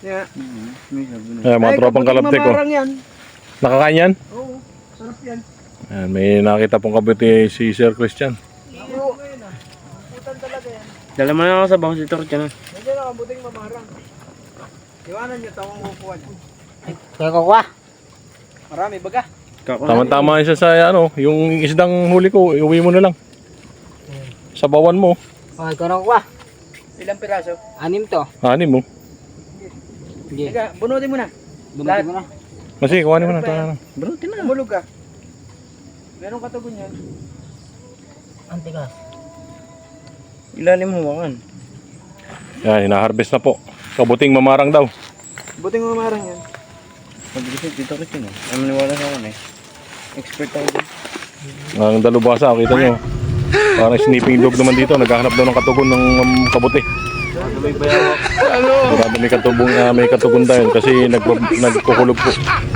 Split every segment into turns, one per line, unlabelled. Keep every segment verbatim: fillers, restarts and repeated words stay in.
Yeah.
Ayan, mga
Ay,
tropang
kabuting
kalabtik ko.
mamarang yan.
Nakakain yan?
Oo, sarap yan.
Ayan, may nakita pong kabuti si Sir Christian.
Oo. Putan talaga yan.
Dala mo na ako sa bangos dito, Christian.
Nandiyan na kabuting mamarang. Iwanan niyo, tawang kukuha niyo.
Kaya ko kwa.
Marami baga.
Tama-tama siya sa ano, yung isdang huli ko, iuwi mo na lang. Sa bawan mo.
Okay, ko na kwa.
Ilang piraso?
Anim to.
Ani mo.
Sige.
Teka, bunutin mo na.
Bunutin mo na.
Kasi kuhanin mo na. Tara na.
Bunutin na. Umulog ka. Meron katugon yan.
Antigas.
Ilalim mo wakan.
Yan, hinaharvest na po. Kabuting mamarang daw.
Buting mamarang yan.
Pag-reset dito, Christian. Ay maniwala sa akin eh. Expert ako dito.
Ang dalubasa, kita nyo. Parang sniffing dog naman dito. Naghahanap daw ng katugon ng um, kabuti.
May bayawak.
Sigurado may katubong, uh, may katugon tayo kasi nagpa- nagkukulog po.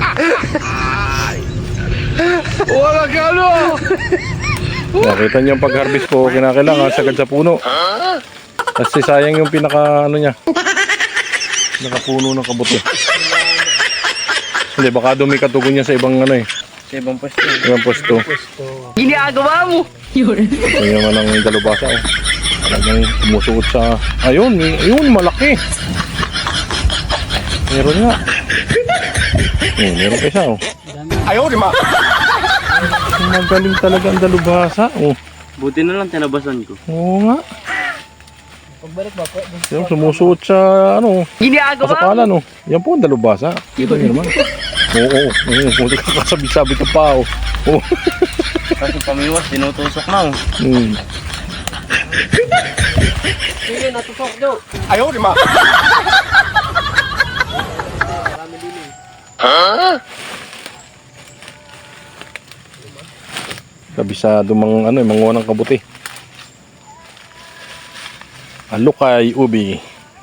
Wala ka ano!
Nakita niyo yung pag-harvest po, kinakailangan sagad sa puno. Kasi sayang yung pinaka ano niya. Nakapuno ng kabuti. Hindi, baka doon may katugon niya sa ibang ano eh.
Sa ibang pwesto.
Ibang pwesto.
Ginagawa mo!
Ito naman ang dalubasa oh. Talagang sumusuot sa... Ayun, may- ayun, malaki. Meron nga. Eh, meron pa isa oh.
Ayaw, di ma!
Magaling talaga ang dalubasa oh.
Buti na lang tinabasan ko.
Oo nga.
Pagbalik ba po?
Yung sumusuot sa ano,
Ginagawa mo!
kasapalan oh. Yan po ang dalubasa. Kita niyo naman. Oo, oo. Oo, puti ka kasabi-sabi ka pa oh. Oo.
Kasi pamiwas, tinutusok na oh.
Hmm.
Sige, natusok nyo.
Ayaw, di ma. Kabisado mang ano, manguha ng kabuti. Alukay ubi.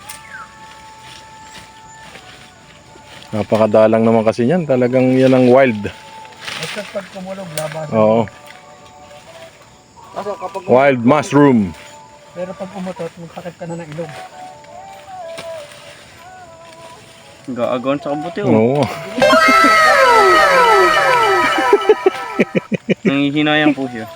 Napakadalang naman kasi yan. Talagang yan ang wild.
Basta pag kumulog, labas.
Oo.
Kaso kapag
Wild mushroom.
Pero pag umutot, magkakit ka na ng ilong.
Gaagawan sa kabuti oh.
Oo.
Nangihinayang po siya.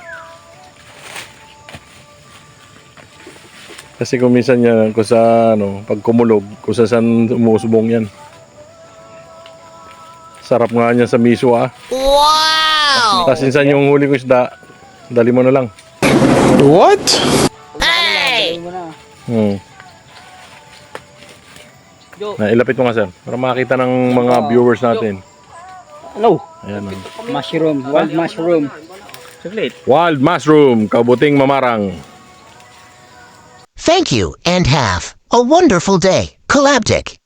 Kasi kung minsan yan, kung sa ano, pag kumulog, kung sa saan umusubong yan. Sarap nga niya sa miso ah. Wow! Tapos minsan yung huli ko isda, dali mo na lang.
Dali mo na.
Hmm. Nailapit mo nga sir, para makita ng mga viewers natin.
Ano?
Ayan oh.
Mushroom. Wild mushroom.
Saglit.
Wild mushroom, kabuting mamarang.
Thank you and have a wonderful day. Collabtic.